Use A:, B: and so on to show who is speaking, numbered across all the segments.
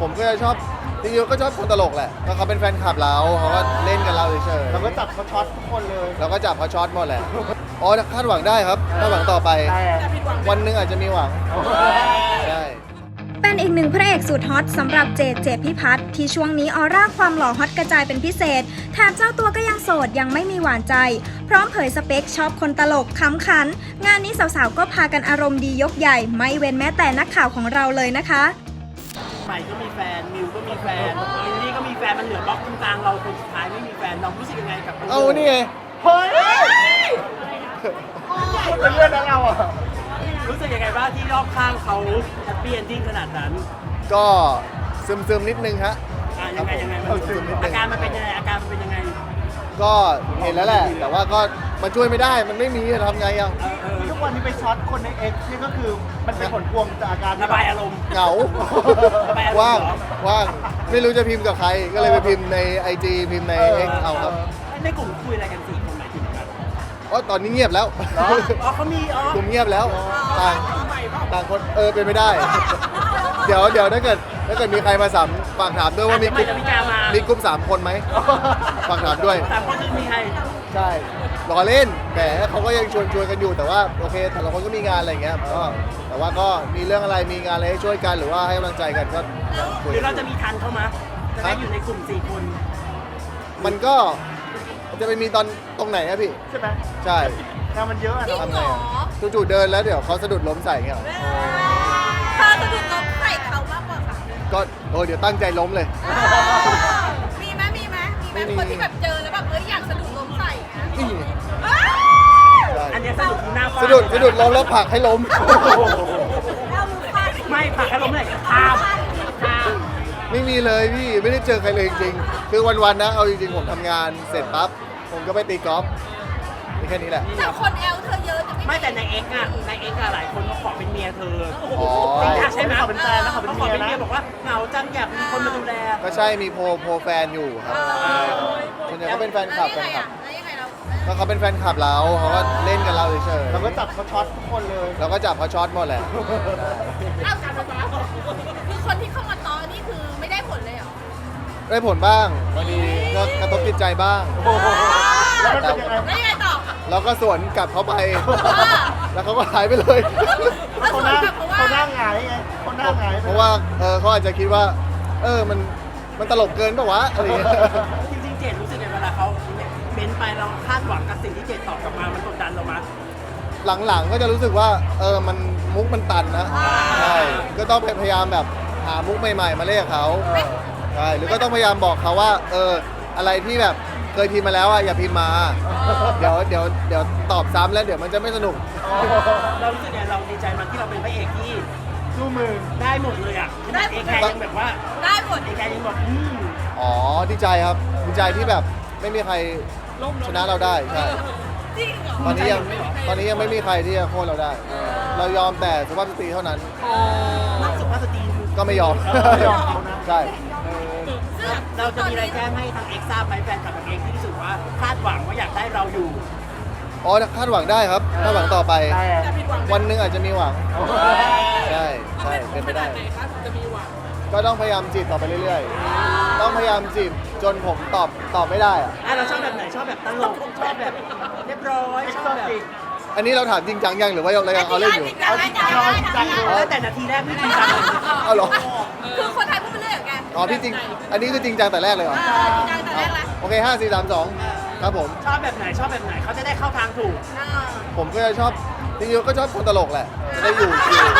A: ผมก็จะชอบจริงๆก็ชอบคนตลกแหละก็เขาเป็นแฟนคลับเราเขาก็เล่นกับเราเฉยๆ
B: เราก็จับเขาช็อตทุกคนเลย
A: เราก็จับเขาช็อตหมดแหละอ๋อคาดหวังได้ครับคาดหวังต่อไป วันหนึงอาจจะมีหวังได้
C: เป็นอีกหนึ่งพระเอกสุดฮอตสำหรับเจพิพัฒน์ที่ช่วงนี้ออร่าความหล่อฮอตกระจายเป็นพิเศษแถมเจ้าตัวก็ยังโสดยังไม่มีหวานใจ พร้อมเผยสเปคชอบคนตลกขำขัน งานนี้สาวๆก็พากันอารมณ์ดียกใหญ่ ไม่เว้นแม้แต่นักข่าวของเราเลยนะคะ
D: ใหม่ก็มีแฟนมิวก็มีแฟนลิลลี่ก็มีแฟนมันเหลือบล็อกตรงกลางเราคนสุดท้ายไม่มีแฟนเรารู้สึกยังไงกับ
A: เอานี่ไง
B: เฮ้ยพูดเป็นเรื่องนั้นเราอ่ะ
D: รู้สึกยังไงบ้างที่รอบข้างเขาแฮปปี้เอนดิ้งขนาดนั้น
A: ก็ซึมๆนิดนึงฮะ
D: ยังไงอาการมันเป็นยังไงอาการมันเป็นยังไง
A: ก็เห็นแล้วแหละ แต่ว่าก็มันช่วยไม่ได้มันไม่มีจะทำไงยัง
B: ทุกวันนี้ไปช็อตคนใน X นี่ก็คือมันเป็นผลพวงจากอาการ
D: ระบายอารมณ์
A: เหงา
D: ระบายอารมณ์
A: ว่าง
D: เหรอ
A: ว่างไม่รู้จะพิมพ์กับใคร ก็เลยไปพิมพ์ใน IG พิมพ์ใน X เอาครับ
D: ในกลุ่มคุยอะไรกันสี่คนหมายถึงกัน
A: เพราะตอนนี้เงียบแล้ว
D: อ๋อเขามี
A: กลุ่มเงียบแล้วต่างคนเป็นไม่ได้ เดี๋ยวถ้าเกิดมีใครมาสามฝากถามด้วยว่ามีกลุ่ม มีกลุ่ม3 คนไหมฝากถามด้วย
D: 3 คนคือมีใคร
A: ใช่รอเล่นแต่เขาก็ยังชวนกันอยู่แต่ว่าโอเคแต่ละคนก็มีงานอะไรอย่างเงี้ยก็แต่ว่าก็มีเรื่องอะไรมีงานอะไรให้ช่วยกันหรือว่าให้กำลังใจกันก็คุย
D: หรือเราจะมีทันเข้ามาจะได้อยู่ในกลุ่ม4 คน
A: มันก็จะไปมีตรงไหนอะพี่
B: ใช่ไหม
A: ใช่
B: งานมันเยอะอะเนาะ
A: ทำไงอะจู่ๆเดินแล้วเดี๋ยวเขาสะดุดล้มใส่เงี้ยเหรอ
E: เธอจะถูกล้มใส่เขามากกว่าค่ะ
A: ก็เดี๋ยวตั้งใจล้มเลย
E: มีไหมคนที่แบบเจอแล้วแบบอยากสะดุดล้มใส่นะ
A: นี่
E: เอ้ย
A: ใช่
D: อันเนี้ยสะดุดหน้าฟา
A: สะดุดล้มแล้วผลักให้ล้ม
E: เอามือฟาด
D: ไม่ผลักให้ล้มเลยข้าม
A: ไม่มีเลยพี่ไม่ได้เจอใครเลยจริงๆคือวันๆนะเอาจริงๆผมทำงานเสร็จปั๊บผมก็ไปตีกอล์ฟมีแค่นี้แหละ
E: แต่คนแอลเธอเยอะจะ
D: ไม่แต่ในเอ็กซ์อะหลายคนเขาขอเป็นเมียเธอ
A: อ๋อ
D: จริงๆใช่ไหม
B: เขาเป็นแฟนนะเขาเป็น
D: เขาขอ
B: เมีย
D: เป็น
B: นะ
D: เมียบอกว่าเหงาจังอยากมีคนมาดูแล
A: ก็ใช่มีโพลแฟนอยู่ครับส่วนใหญ่ก็เป็นแฟนคลับ
E: แล้วยังไงเรา
A: ก็เขาเป็นแฟนคลับเราเขาก็เล่นกับเราเฉย
B: เราก็จับเขาช็อตทุกคนเลย
A: ๆเราก็จับเขาช็อตหมดแหละ
E: เอาคือคนที่เข้ามาตอนี่คือไม่ได้ผลเลยเหรอ
A: ได้ผลบ้างบางทีก็กระทบจิตใจบ้าง
B: โอ้โหแล้วมันเป็นยังไง
E: แล้วยังไงต่อ
A: เราก็สวนกลับเขาไป แล้วเขาก็หายไปเลย
E: แล้ว
B: เขา
E: ส
B: ห
E: วน
B: น้าก
E: ลับเพราะว่า
B: เขาหน้าหงายไงเขาหน้าหงาย
A: เพราะว่าเขาอาจจะคิดว่ามันตลกเกินป่ะวะอะไรอย่างเงี้ย
D: จริงๆเจดรู้สึกไงเวลาเขาเม้นไปเราคาดหวังกับสิ่งที่เจดตอบกลับมามันกดดันเรามา
A: หลังๆก็จะรู้สึกว่ามันมุกมันตันนะใช่ก็ต้องพยายามแบบหามุกใหม่ๆมาเล่นกับเขาใช่หรือก็ต้องพยายามบอกเขาว่าอะไรที่แบบเคยพิมพ์มาแล้วอ่ะอย่าพิมพ์มาเดี๋ยวตอบซ้ำแล้วเดี๋ยวมันจะไม่สนุก
D: เรารู้สึกไงเราดีใจมันที่เราเป็นพระเอกที่
B: สู้มือ
D: ได้หมดเลยอ่ะขนาดเอแคร์ยังแบบว่า
E: ได้ผล
D: เอแคร์ยังบอก
A: อ๋อดีใจครับดีใจที่แบบไม่มีใครชนะเราได้ใช่
E: จริงเหรอ
A: ตอนนี้ยังไม่มีใครที่จะโค่นเราได้ เรายอมแต่สุภาพสตรีเท่านั้น
D: นักสุภาพสตรี
A: ก็ไม่ยอม
B: ไม่ยอมเขานะ
A: ใช่
E: ซึ่ง
D: เราจะมีอะไรแจ้งให้ทางเอ็กซ์ทราบไหมแฟนคลับทางเอ็กซ์ที่รู้สึกว่าคาดหวังว่าอยากได้เราอยู่
A: อ๋อคาดหวังได้ครับคาดหวังต่อไป
B: แต่
A: วันหนึงอาจจะมีหวังใช่เป็นไปได้ก็ต้องพยายามจีบต่อไปเรื่อยๆต้องพยายามจีบจนผมตอบไม่ได้อะ
D: เราชอบแบบไหนชอบแบบตลกชอบแบบเรียบร้อยชอบแบบ
A: อันนี้เราถามจริงจังยังหรือว่าเรายังเอาเล่นอยู่
B: เอาจริงจังเอาจริงจัง
D: ตั้งแต่นาทีแรกไม่จริงจังเลย
A: เอาเหรอ
E: คือคนไทยพูดไปเรื่อยเหรอแก
A: อ๋อพี่จริงอันนี้คือจริงจังแต่แรกเลยเหรอ
E: จริงจังแต่แรกละ
A: โอเค5 4 3 2ครับผม
D: ชอบแบบไหนเขาจะได้เข้าทางถูก
A: ผมก็จะชอบจริงๆก็ชอบคนตลกแหละจะได้อยู่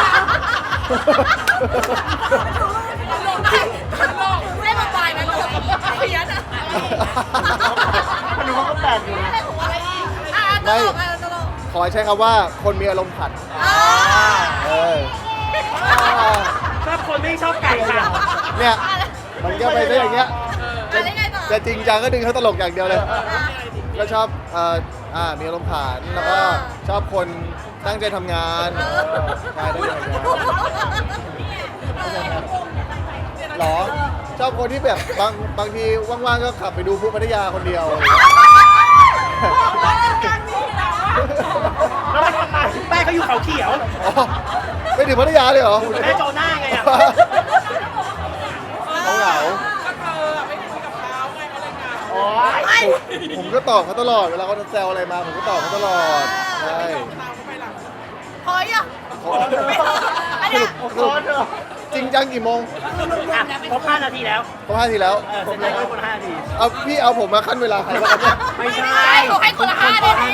E: ไม่มาปลายมันเลยเพี้ยนอ่ะ
B: มันดูเขาก็แปลกอยู่นะ
E: ตลกตลก
A: ขอใช้คำว่าคนมีอารมณ์ขันเออ
D: ชอบคนไม่ชอบไก่ค่ะ
A: เนี่ยมันก็ไปได้อย่างเงี้ย
E: อะไรไงต่อ
A: จะจริงจังก็ดึงเขาตลกอย่างเดียวเลย ก็ชอบมีอารมณ์ขันแล้วก็ชอบคนตั้งใจทำงานใช่ตั้งใจทำงานหรอชอบคนที่แบบบางทีว่างๆก็ขับไปดูพวกพัทยาคนเดียว
B: แล้วมันทำไม
D: แม่เขาอยู่เขาเขียว
A: อ๋อไปถึงพัทยาเลยเหรอ
D: แม่โจหน้าไงอ่ะ
A: ผมก็ตอบเขาตลอดเวลาเขาแซวอะไรมาผมก็ตอบเขาตลอดใช่
E: พอยอ่ะ
A: ขอ
E: อันเนี้ย
A: สรุปจริงจังกี่โมง
D: ครบ5 นาทีแล้ว
A: ครบ5 ทีแล้ว
D: เสร็จแล้วก็คน5 นาที
A: เอาพี่เอาผมมาขั้นเวลาใครวะครับเนี่ย
D: ไม่ใช่
E: เขาให้คนละ5 นาที